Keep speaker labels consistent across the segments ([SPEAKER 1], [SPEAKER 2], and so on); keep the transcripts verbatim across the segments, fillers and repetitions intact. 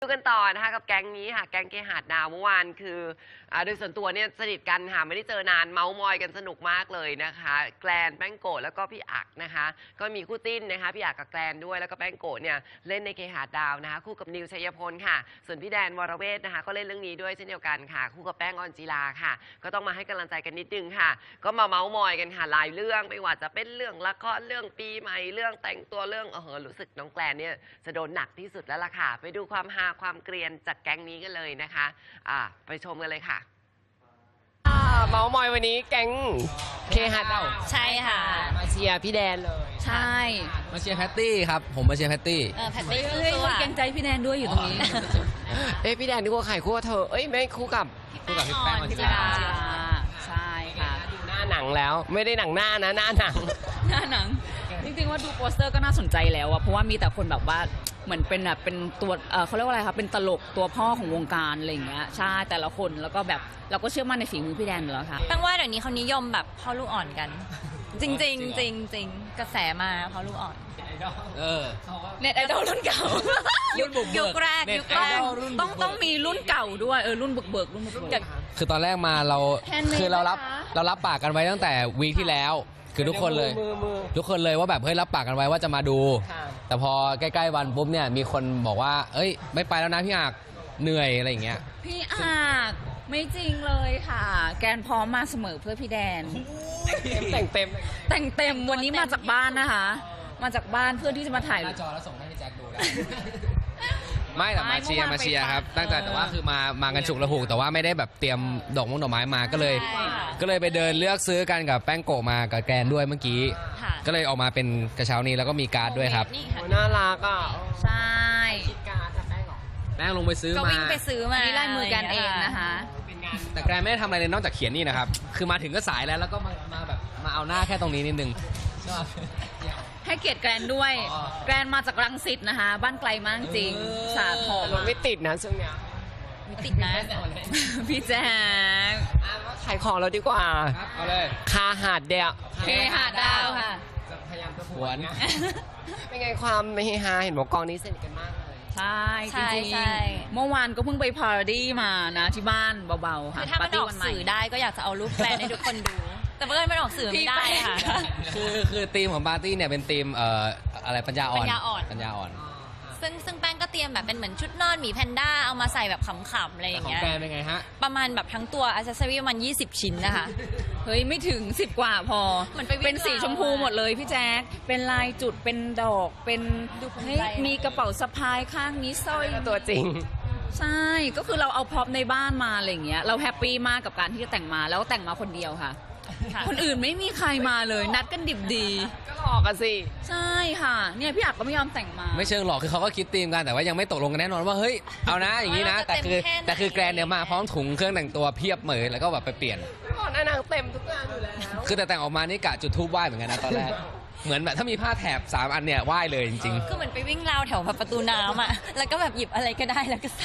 [SPEAKER 1] ดูกันต่อนะคะกับแก๊งนี้ค่ะแก๊งเกหาดดาวเมื่อวานคืออ่าโดยส่วนตัวเนี่ยสนิทกันค่ะไม่ได้เจอนานเมาส์มอยกันสนุกมากเลยนะคะแกลนแป้งโกะแล้วก็พี่อักนะคะก็มีคู่จิ้นนะคะพี่อักกับแกลนด้วยแล้วก็แป้งโกะเนี่ยเล่นในเกหาดดาวนะคะคู่กับนิวชัยพลค่ะส่วนพี่แดนวรเวทนะคะก็เล่นเรื่องนี้ด้วยเช่นเดียวกันค่ะคู่กับแป้งออนจีลาค่ะก็ต้องมาให้กำลังใจกันนิดนึงค่ะก็มาเมาส์มอยกันค่ะหลายเรื่องไม่ว่าจะเป็นเรื่องละครเรื่องปีใหม่เรื่องแต่งตัวเรื่องเออรู้สึกน้องแกลนเนี่ยจะโดนหนักที่สุดแล้วล่ะค่ะไปดูความฮาความเกรียนจากแก๊งนี้กันเลยนะคะอ่าไปชมกันเลยค่ะเมาส์มอยวันนี้แก๊งเคหะดาว
[SPEAKER 2] ใช่ค่ะ
[SPEAKER 1] มาเชียร์พี่แดนเลย
[SPEAKER 2] ใช่
[SPEAKER 3] มาเชียร์แพตตี้ครับผมมาเชียร์แพตตี้
[SPEAKER 2] เออแพตตี้สู้ๆเกรงใจพี่แดนด้วยอยู่ตรงนี้
[SPEAKER 1] เอ้พี่แดนคู่กับใครคู่กับเธอเอ้ยไม่คู่กับ
[SPEAKER 3] คู่กับพี่แป้งออนจีรา
[SPEAKER 2] ใช่ค่ะ
[SPEAKER 1] ดูหน้าหนังแล้วไม่ได้หนังหน้านะหน้าหนัง
[SPEAKER 2] หน้าหนังจริงๆว่าดูโปสเตอร์ก็น่าสนใจแล้วอะเพราะว่ามีแต่คนแบบว่าเหมือนเป็นแบบเป็นตัวเออเขาเรียกว่าอะไรคะเป็นตลกตัวพ่อของวงการอะไรอย่างเงี้ยใช่แต่ละคนแล้วก็แบบเราก็เชื่อมั่นในฝีมือพี่แดนอยู่แล้วค่ะ
[SPEAKER 4] ตั้งว่าเดี๋ยวนี้เขานิยมแบบพ่อลูกอ่อนกันจริงจริงจริงจริงกระแสมาพ่อลูกอ่อน
[SPEAKER 3] เออ
[SPEAKER 2] เน็ตไอดอลรุ่นเก่า
[SPEAKER 4] ยุคยุคแรกยุคแรก
[SPEAKER 2] ต้องต้องมีรุ่นเก่าด้วยเออรุ่นบุกเบิกรุ่นบุกเบิก
[SPEAKER 3] คือตอนแรกมาเราคือเรารับเรารับปากกันไว้ตั้งแต่วีคที่แล้วคือทุกคนเลยทุกคนเลยว่าแบบเฮ้ยรับปากกันไว้ว่าจะมาดูแต่พอใกล้ๆวันปุ๊บเนี่ยมีคนบอกว่าเอ้ยไม่ไปแล้วนะพี่อักเหนื่อยอะไรอย่างเงี้ย
[SPEAKER 2] พี่อักไม่จริงเลยค่ะแกนพร้อมมาเสมอเพื่อพี่แดน
[SPEAKER 1] แต่งเต็ม
[SPEAKER 2] แต่งเต็มวันนี้มาจากบ้านนะคะมาจากบ้านเพื่อที่จะมาถ่าย
[SPEAKER 3] หน้าจอแล้วส่งให้พี่แจ็คดูได้ไม่แต่มาเชียร์มาเชียร์ครับตั้งแต่แต่ว่าคือมามากันฉุกระหุกแต่ว่าไม่ได้แบบเตรียมดอกมงดอกไม้มาก็เลยก็เลยไปเดินเลือกซื้อกันกับแป้งโกะมากับแกนด้วยเมื่อกี้ก็เลยออกมาเป็นกระเช้านี้แล้วก็มีการ์ดด้วยครับ
[SPEAKER 1] น่ารักอ่ะ
[SPEAKER 2] ใช่
[SPEAKER 1] คิดการ์ดจากแป้งหรอ
[SPEAKER 3] แป้งลงไปซื้อมาก็
[SPEAKER 4] วิ่งไปซื้อมา
[SPEAKER 2] นี่ลายมือกันเองนะคะ
[SPEAKER 3] แต่แกรนไม่ได้ทำอะไรเลยนอกจากเขียนนี่นะครับคือมาถึงก็สายแล้วแล้วก็มามาแบบมาเอาหน้าแค่ตรงนี้นิดนึง
[SPEAKER 2] ให้เกียรติแกรนด้วยแกรนมาจากรังสิตนะคะบ้านไกลมากจริงสาทร
[SPEAKER 1] รถไม่ติดนะช่วงเนี้ย
[SPEAKER 2] ไม่ติดนะพี่แจ๊ค
[SPEAKER 1] ขายของเราดีกว่า
[SPEAKER 3] เอาเลย
[SPEAKER 1] คาหาดเดียว
[SPEAKER 2] เคหาดดาวค่ะ
[SPEAKER 1] พยายามจะหวนเป็นไงความเฮฮาเห็นบอกกองนี้สนิทกันมากเลย
[SPEAKER 2] ใช่จริงๆเมื่อวานก็เพิ่งไปพาราดี้มานะที่บ้านเบาๆค่ะ
[SPEAKER 4] ถ้ามันออกสื่อได้ก็อยากจะเอารูปแกรนให้ทุกคนดูแต่เพื่อนไม่ออกสื่อไม่ได้ค่ะ
[SPEAKER 3] คือคือธีมของปาร์ตี้เนี่ยเป็นธีมเอ่ออะไรปัญญาอ่อนปัญญาอ่อนปัญญาอ่อน
[SPEAKER 4] ซึ่งซึ่งแป้งก็เตรียมแบบเป็นเหมือนชุดนอนหมีแพนด้าเอามาใส่แบบขำๆอะไรอย่างเงี้ย
[SPEAKER 3] ของแกเป็นไงฮะ
[SPEAKER 4] ประมาณแบบทั้งตัวอัซเซอรี่ประมาณยี่สิบชิ้นนะคะ
[SPEAKER 2] เฮ้ยไม่ถึงสิบกว่าพอมันเป็นสีชมพูหมดเลยพี่แจ๊คเป็นลายจุดเป็นดอกเป็นมีกระเป๋าสะพายข้างมีสร้อย
[SPEAKER 1] ตัวจริง
[SPEAKER 2] ใช่ก็คือเราเอาพร็อพในบ้านมาอะไรอย่างเงี้ยเราแฮปปี้มากกับการที่จะแต่งมาแล้วแต่งมาคนเดียวค่ะคนอื่นไม่มีใครมาเลยนัดกันดิบดี
[SPEAKER 1] ก็หลอกกันสิ
[SPEAKER 2] ใช่ค่ะเนี่ยพี่อักก็ไม่ยอมแต่งมา
[SPEAKER 3] ไม่เชิงหลอกคือเขาก็คิดธีมกันแต่ว่ายังไม่ตกลงกันแน่นอนว่าเฮ้ยเอานะอย่างนี้นะแต่คือแต่คือแกรนเนี่ยมาพร้อมถุงเครื่องแต่งตัวเพียบเหมยแล้วก็แบบไปเปลี่ยน
[SPEAKER 1] ก่อนหน้านางเต็มทุกงานอยู่แล้ว
[SPEAKER 3] คือแต่แต่งออกมานี่กะจุดทูบไหว้เหมือนกันนะตอนแรกเหมือนแบบถ้ามีผ้าแถบสามอันเนี่ยไหว้เลยจริง
[SPEAKER 4] ๆคือเหมือนไปวิ่งราวแถวประตูน้ำอ่ะแล้วก็แบบหยิบอะไรก็ได้แล้วก็ใส่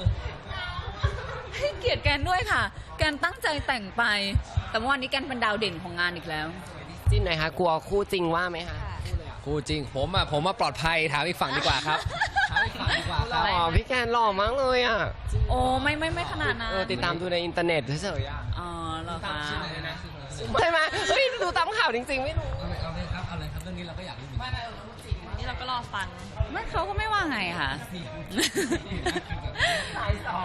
[SPEAKER 2] ให้เกียรติแกนด้วยค่ะแกนตั้งใจแต่งไปแต่เมื่อวานนี้แกนเป็นดาวเด่นของงานอีกแล้ว
[SPEAKER 1] จริงไหนคะกลัวคู่จริงว่าไหมคะ
[SPEAKER 3] คู่จริงผมอ่ะผมมาปลอดภัยถามอีกฝั่งดีกว่าครับถามอีกฝั่งดีกว่าครับ
[SPEAKER 1] หล่อพี่แกนหล่อมากเลยอ่ะ
[SPEAKER 2] โอ้ไม่ไม่ไม่ขนาดนั้น
[SPEAKER 1] ติดตามดูในอินเทอร์เน็ตเฉย
[SPEAKER 2] ๆอ๋อเหรอคะ
[SPEAKER 1] ใช่ไหมเฮ้ยดูตามข่าวจริงๆไม่รู้
[SPEAKER 3] เอาเลยครับเอาเลยครับเรื่องนี้เราก็อยากรู้
[SPEAKER 4] ไม่ไม่นี่เราก็รอฟัง
[SPEAKER 2] ไม่เขาก็ไม่ว่าไงค่ะ
[SPEAKER 1] สายสอง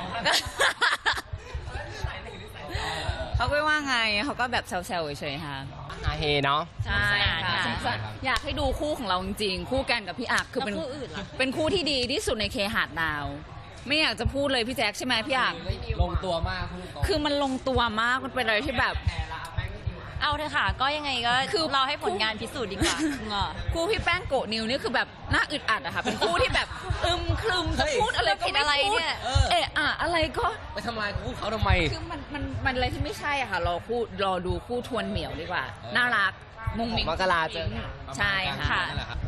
[SPEAKER 2] เขาไม่ว่าไงเขาก็แบบแซวๆเฉยๆค่ะ
[SPEAKER 1] ฮาเฮเนาะ
[SPEAKER 2] ใช่ค่ะอยากให้ดูคู่ของเราจริงๆคู่แกนกับพี่อักคือเป็นเป็นคู่ที่ดีที่สุดในเคหาดดาวไม่อยากจะพูดเลยพี่แจ็คใช่ไหมพี่อัก
[SPEAKER 3] ลงตัวมาก
[SPEAKER 2] คือมันลงตัวมากมันเป็นอะไรที่แบบ
[SPEAKER 4] เอาเถอะค่ะก็ยังไงก็คือเราให้ผลงานพิสูจน์ดีกว่า
[SPEAKER 2] คู่พี่แป้งโกะนิวนี่คือแบบน่าอึดอัดอะค่ะเป็นคู่ที่แบบอึมครึมจะพูดอะไรก็ไม่พูดเอะอะอะไรก็
[SPEAKER 3] ไปทำลายคู่เขาทำไม
[SPEAKER 2] คือมันมันมันอะไรที่ไม่ใช่อะค่ะรอคู่รอดูคู่ทวนเหมียวดีกว่าน่ารักมุงมิ้ง
[SPEAKER 1] มกราเจอ
[SPEAKER 2] ใช่ค่ะ